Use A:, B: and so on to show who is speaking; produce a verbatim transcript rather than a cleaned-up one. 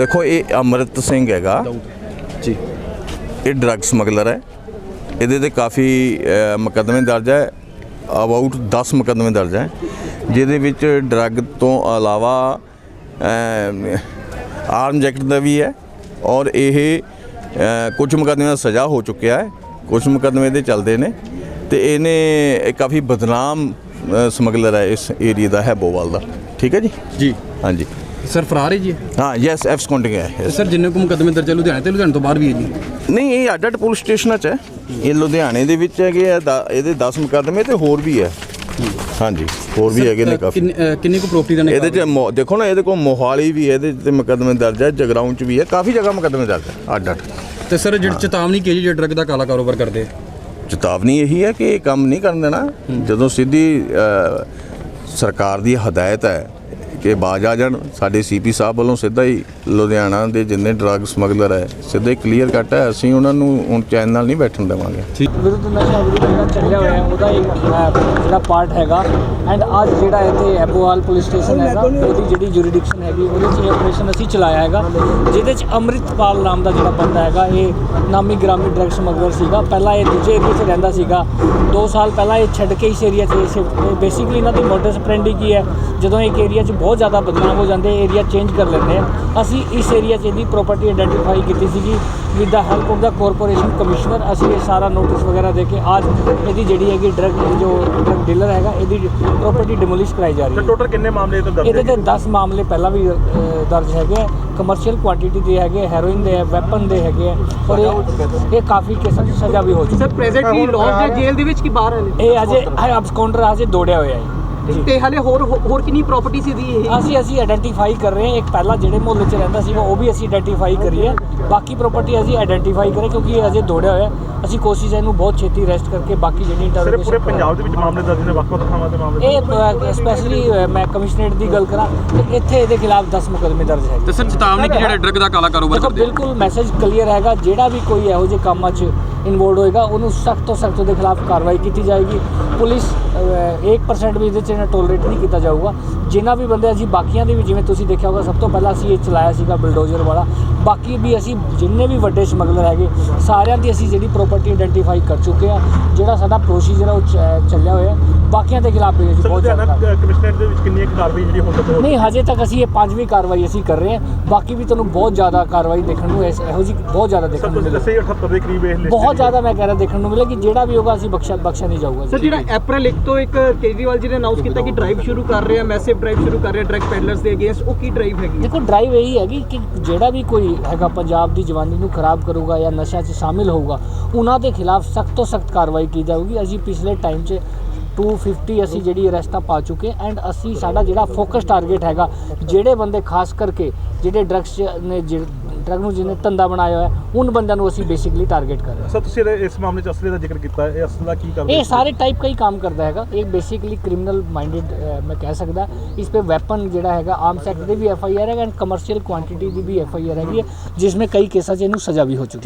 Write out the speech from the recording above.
A: देखो ये अमृत सिंह हैगा
B: जी,
A: ये ड्रग समगलर है। ये काफ़ी मुकदमे दर्ज है, अबाउट दस मुकदमे दर्ज है जिहदे विच ड्रग तो अलावा आर्म्स एक्ट का भी है और ये कुछ मुकदमे का सज़ा हो चुकिया है, कुछ मुकदमे दे चलते हैं। तो इन्हें काफ़ी बदनाम समगलर है इस एरिए का हैबोवाल का। ठीक है जी
B: जी
A: हाँ जी
B: सर फरार है जी।
A: हाँ यस एफ स्कॉन्टिंग है
B: सर जिन्ने को मुकदमे दर्ज है लुधियाने तो लुधियाने तो बाहर भी है जी।
A: नहीं ये अड्ड अड्ड पुलिस स्टेशन च है, ये लुधियाने दे विच हैगे आ, ये दस मुकदमे तो होर भी है। हाँ जी होर भी है ने काफ़ी।
B: किन्नी को प्रॉपर्टी का
A: ये देखो ना, ये को मोहाली भी है, ये मुकदमे दर्ज है, जगराऊं च भी है, काफ़ी जगह मुकदमे दर्ज है अड्ड अड्ड।
B: तो सर जी चेतावनी की जी ड्रग का काला कारोबार करते,
A: चेतावनी यही है कि ये काम नहीं करन देना। जो सीधी सरकार की हदायत है कि बाज आ जान, साडे सी पी साहब वालों सीधा ही लुधियाना के जिन्ने ड्रग समगलर है सीधा ही क्लीयर कट है, असीं उन्हां नूं हुण चैन नाल नहीं बैठण देवांगे।
C: विरुद्ध नशा विरुद्ध ਜਿਹੜਾ ਚੱਲਿਆ ਹੋਇਆ ਉਹਦਾ ਇੱਕ ਜਿਹੜਾ ਪਾਰਟ ਹੈਗਾ ਐਂਡ ਅੱਜ ਜਿਹੜਾ ਇੱਥੇ ਐਬੋਵਾਲ ਪੁਲਿਸ ਸਟੇਸ਼ਨ ਹੈਗਾ ਉਹਦੀ ਜਿਹੜੀ ਜੁਰੀਡਿਕਸ਼ਨ ਹੈਗੀ ਉਹਦੇ 'ਚ ਇਹ ਆਪਰੇਸ਼ਨ ਅਸੀਂ ਚਲਾਇਆ ਹੈਗਾ, ਜਿਹਦੇ 'ਚ ਅੰਮ੍ਰਿਤਪਾਲ ਨਾਮ ਦਾ ਜਿਹੜਾ ਬੰਦਾ ਹੈਗਾ ਇਹ ਨਾਮੀ ਗ੍ਰਾਮੀ ਡਰਗ ਸਮਗਲਰ ਸੀਗਾ। ਪਹਿਲਾਂ ਇਹ ਦੂਜੇ ਏਰੀਏ 'ਚ ਰਹਿੰਦਾ ਸੀਗਾ, ਦੋ ਸਾਲ ਪਹਿਲਾਂ ਇਹ ਛੱਡ ਕੇ ਇਸ ਏਰੀਆ 'ਚ ਬੇਸਿਕਲੀ ਇਹਨਾਂ ਦੀ ਮੋਡਸ ਆਪਰੈਂਡੀ ਕੀ ਹੈ, ਜਦੋਂ ਇੱਕ ਏਰੀਆ 'ਚ ਬਹੁਤ ਜ਼ਿਆਦਾ ਬਦਨਾਮ ਹੋ ਜਾਂਦੇ ਏਰੀਆ ਚੇਂਜ ਕਰ ਲੈਂਦੇ ਆ। ਅਸੀਂ ਇਸ ਏਰੀਆ 'ਚ ਇਹਦੀ ਪ੍ਰੋਪਰਟੀ ਆਈਡੈਂਟੀਫਾਈ ਕੀਤੀ ਸੀਗੀ with the help of the corporation commissioner. ਅਸੀਂ ਇਹ ਸਾਰਾ ਨੋਟਿਸ ਵਗੈਰਾ ਦੇ ਕੇ ਅੱਜ ਇਹਦੀ ਜਿਹੜੀ ਹੈਗੀ ਡਰਗ ਜੋ ਡਰਗ ਡੀਲਰ ਹੈਗਾ ਇਹਦੀ ਪ੍ਰੋਪਰਟੀ ਡਿਮੋਲਿਸ਼ ਕਰਾਈ ਜਾ ਰਹੀ ਹੈ।
D: ਟੋਟਲ ਕਿੰਨੇ ਮਾਮਲੇ ਤੋਂ ਦਰਜ
C: ਇਹਦੇ ਤੇ ਦਸ ਮਾਮਲੇ ਪਹਿਲਾਂ ਵੀ ਦਰਜ ਹੈਗੇ ਆ, ਕਮਰਸ਼ੀਅਲ ਕੁਆਂਟੀਟੀ ਦੇ ਹੈਗੇ, ਹੈਰੋਇਨ ਦੇ ਹੈ, ਵੈਪਨ ਦੇ ਹੈਗੇ ਆ ਔਰ ਇਹ ਇਹ ਕਾਫੀ ਕੇਸਾਂ 'ਚ ਸਜ਼ਾ ਵੀ ਹੋ ਚੁੱਕੀ।
E: ਸਰ ਪ੍ਰੈਜ਼ੈਂਟਲੀ ਲੌਂਜ ਦੇ ਜੇਲ੍ਹ ਦੇ ਵਿੱਚ ਕੀ ਬਾਹਰ ਹੈ
C: ਇਹ ਅਜੇ ਅਬਸਕੌਂਡਰ ਅਜੇ ਦੌੜਿਆ ਹੋਇਆ ਹੈ
E: ਤੇ ਹਾਲੇ ਹੋਰ ਹੋਰ ਕਿੰਨੀ ਪ੍ਰਾਪਰਟੀ ਸੀ ਦੀ ਇਹ
C: ਅਸੀਂ ਅਸੀਂ ਆਇਡੈਂਟੀਫਾਈ ਕਰ ਰਹੇ ਹਾਂ। ਇੱਕ ਪਹਿਲਾਂ ਜਿਹੜੇ ਮੁਹੱਲੇ 'ਚ ਰਹਿੰਦਾ ਸੀਗਾ ਉਹ ਵੀ ਅਸੀਂ ਆਇਡੈਂਟੀਫਾਈ ਕਰੀਏ, ਬਾਕੀ ਪ੍ਰਾਪਰਟੀ ਅਸੀਂ ਆਇਡੈਂਟੀਫਾਈ ਕਰੇ ਕਿਉਂਕਿ ਇਹ ਅਜੇ ਦੌੜਿਆ ਹੋਇਆ। ਅਸੀਂ ਕੋਸ਼ਿਸ਼ ਇਹਨੂੰ ਬਹੁਤ ਛੇਤੀ ਅਰੈਸਟ ਕਰਕੇ ਬਾਕੀ ਜਿਹੜੀ ਇੰਟਰਵਿਊ
D: ਪੂਰੇ ਪੰਜਾਬ ਦੇ ਵਿੱਚ ਮਾਮਲੇ ਦਰਜ ਨੇ, ਵੱਖ-ਵੱਖ ਥਾਵਾਂ ਤੇ ਮਾਮਲੇ।
C: ਇਹ ਸਪੈਸ਼ਲੀ ਮੈਂ ਕਮਿਸ਼ਨਰੇਟ ਦੀ ਗੱਲ ਕਰਾਂ ਤੇ ਇੱਥੇ ਇਹਦੇ ਖਿਲਾਫ ਦਸ ਮੁਕੱਦਮੇ ਦਰਜ ਹੈ।
B: ਤੇ ਸਰ ਚੇਤਾਵਨੀ ਕਿ ਜਿਹੜਾ ਡਰਗ ਦਾ ਕਾਲਾ ਕਾਰੋਬਾਰ
C: ਦੇਖੋ
B: ਕਰਦੇ
C: ਬਿਲਕੁਲ ਮੈਸੇਜ ਕਲੀਅਰ ਹੈਗਾ, ਜਿਹੜਾ ਵੀ ਕੋਈ ਇਹੋ ਜਿਹੇ ਕੰਮਾਂ 'ਚ ਇਨਵੋਲਵ ਹੋਏਗਾ ਉਹਨੂੰ ਸਖਤ ਤੋਂ ਸਖਤ ਉਹਦੇ ਖਿਲਾਫ ਕਾਰਵਾਈ ਕੀਤੀ ਜਾਏਗੀ। ਪੁਲਿਸ ਇੱਕ ਪਰਸੈਂਟ ਵੀ ਇਹਦੇ 'ਚ ਟੋਲਰੇਟ ਨਹੀਂ ਕੀਤਾ ਜਾਊਗਾ। ਜਿਨ੍ਹਾਂ ਵੀ ਬੰਦੇ ਅਸੀਂ ਬਾਕੀਆਂ ਦੇ ਵੀ ਜਿਵੇਂ ਤੁਸੀਂ ਦੇਖਿਆ ਹੋਗਾ ਸਭ ਤੋਂ ਪਹਿਲਾਂ ਅਸੀਂ ਇਹ ਚਲਾਇਆ ਸੀਗਾ ਬਲਡੋਜ਼ਰ ਵਾਲਾ, ਬਾਕੀ ਵੀ ਅਸੀਂ ਜਿੰਨੇ ਵੀ ਵੱਡੇ ਸਮਗਲਰ ਹੈਗੇ ਸਾਰਿਆਂ ਦੀ ਅਸੀਂ ਜਿਹੜੀ ਪ੍ਰੋਪਰਟੀ ਆਇਡੈਂਟੀਫਾਈ ਕਰ ਚੁੱਕੇ ਆ। ਜਿਹੜਾ ਸਾਡਾ ਪ੍ਰੋਸੀਜਰ ਆ ਉਹ ਚੱਲਿਆ ਹੋਇਆ, ਬਾਕੀਆਂ ਦੇ ਖਿਲਾਫ ਵੀ ਅਸੀਂ ਬਹੁਤ ਜ਼ਿਆਦਾ
D: ਕਮਿਸ਼ਨਰੇਟ ਦੇ ਵਿੱਚ ਕਿੰਨੀ ਇੱਕ ਕਾਰਵਾਈ ਜਿਹੜੀ ਹੁਣ ਤੱਕ
C: ਨਹੀਂ ਹਜੇ ਤੱਕ ਅਸੀਂ ਇਹ ਪੰਜਵੀਂ ਕਾਰਵਾਈ ਅਸੀਂ ਕਰ ਰਹੇ ਹਾਂ। ਬਾਕੀ ਵੀ ਤੁਹਾਨੂੰ ਬਹੁਤ ਜ਼ਿਆਦਾ ਕਾਰਵਾਈ ਦੇਖਣ ਨੂੰ ਇਹੋ ਜਿਹੀ ਬਹੁਤ ਜ਼ਿਆਦਾ ਦੇਖਣ ਨੂੰ ਮਿਲੇਗੀ।
D: ਦੱਸੇ ਅਠੱਤਰ ਦੇ ਕਰੀਬ ਇਹ
C: ਬਹੁਤ ਜ਼ਿਆਦਾ ਮੈਂ ਕਹਿ ਰਿਹਾ ਦੇਖਣ ਨੂੰ ਮਿਲੇਗੀ। ਜਿਹੜਾ ਵੀ ਹੋਗਾ ਅਸੀਂ ਬਖਸ਼ਾ ਬਖਸ਼ਾ ਨਹੀਂ ਜਾਊਗਾ।
E: ਸਰ ਜਿਹੜਾ ਅਪ੍ਰੈਲ ਇੱਕ ਤੋਂ ਇੱਕ ਕੇਜਰੀਵਾਲ ਜੀ ਨੇ ਅਨਾਉਂਸ ਕੀਤਾ ਕਿ ਡਰਾਈਵ ਸ਼ੁਰੂ ਕਰ ਰਹੇ ਆ, ਮੈਸਿਵ ਡਰਾਈਵ ਸ਼ੁਰੂ ਕਰ ਰਹੇ ਆ ਡਰਗ ਪੈਡਲਰਸ ਦੇ ਅਗੇਂਸਟ, ਉਹ ਕੀ ਡਰਾਈਵ ਹੈਗੀ?
C: ਦੇਖੋ ਡਰਾਈਵ ਇਹੀ ਹੈਗੀ ਕਿ ਜਿਹੜਾ ਵੀ ਕੋਈ ਹੈਗਾ ਪੰਜਾਬ ਦੀ ਜਵਾਨੀ ਨੂੰ ਖਰਾਬ ਕਰੂਗਾ ਜਾਂ ਨਸ਼ਾ 'ਚ ਸ਼ਾਮਿਲ ਹੋਊਗਾ ਉਹਨਾਂ ਦੇ ਖਿਲਾਫ ਸਖਤ ਤੋਂ ਸਖਤ ਕਾਰਵਾਈ ਕੀ ਜਾਊਗੀ। ਅਸੀਂ ਪਿਛਲੇ ਟਾਈਮ 'ਚ टू फिफ्टी ਅਸੀਂ ਜਿਹੜੀ ਅਰੈਸਟਾਂ ਪਾ ਚੁੱਕੇ ਐਂਡ ਅਸੀਂ ਸਾਡਾ ਜਿਹੜਾ ਫੋਕਸ ਟਾਰਗੇਟ ਹੈਗਾ ਜਿਹੜੇ ਬੰਦੇ ਖਾਸ ਕਰਕੇ ਜਿਹੜੇ ਡਰੱਗਸ ਨੇ ਡਰੱਗ ਨੂੰ ਜਿਹਨੇ ਧੰਦਾ ਬਣਾਇਆ ਹੋਇਆ ਉਨ ਬੰਦਿਆਂ ਨੂੰ ਅਸੀਂ ਬੇਸਿਕਲੀ ਟਾਰਗੇਟ ਕਰ ਰਹੇ ਹਾਂ।
D: ਸਰ ਤੁਸੀਂ ਇਸ ਮਾਮਲੇ 'ਚ ਅਸਲੇ ਦਾ ਜ਼ਿਕਰ ਕੀਤਾ, ਇਹ ਅਸਲਾ ਕੀ ਕਰਦਾ?
C: ਇਹ ਸਾਰੇ ਟਾਈਪ का ही काम करता है। एक बेसिकली क्रिमिनल माइंडेड मैं कह सकता, इस पर वैपन जोड़ा है आर्म्स एक्ट की भी एफ आई आर है एंड कमर्शियल क्वांटिटी की भी एफ आई आर हैगी है जिसमें कई केसा च इनू सज़ा भी हो चुकी है।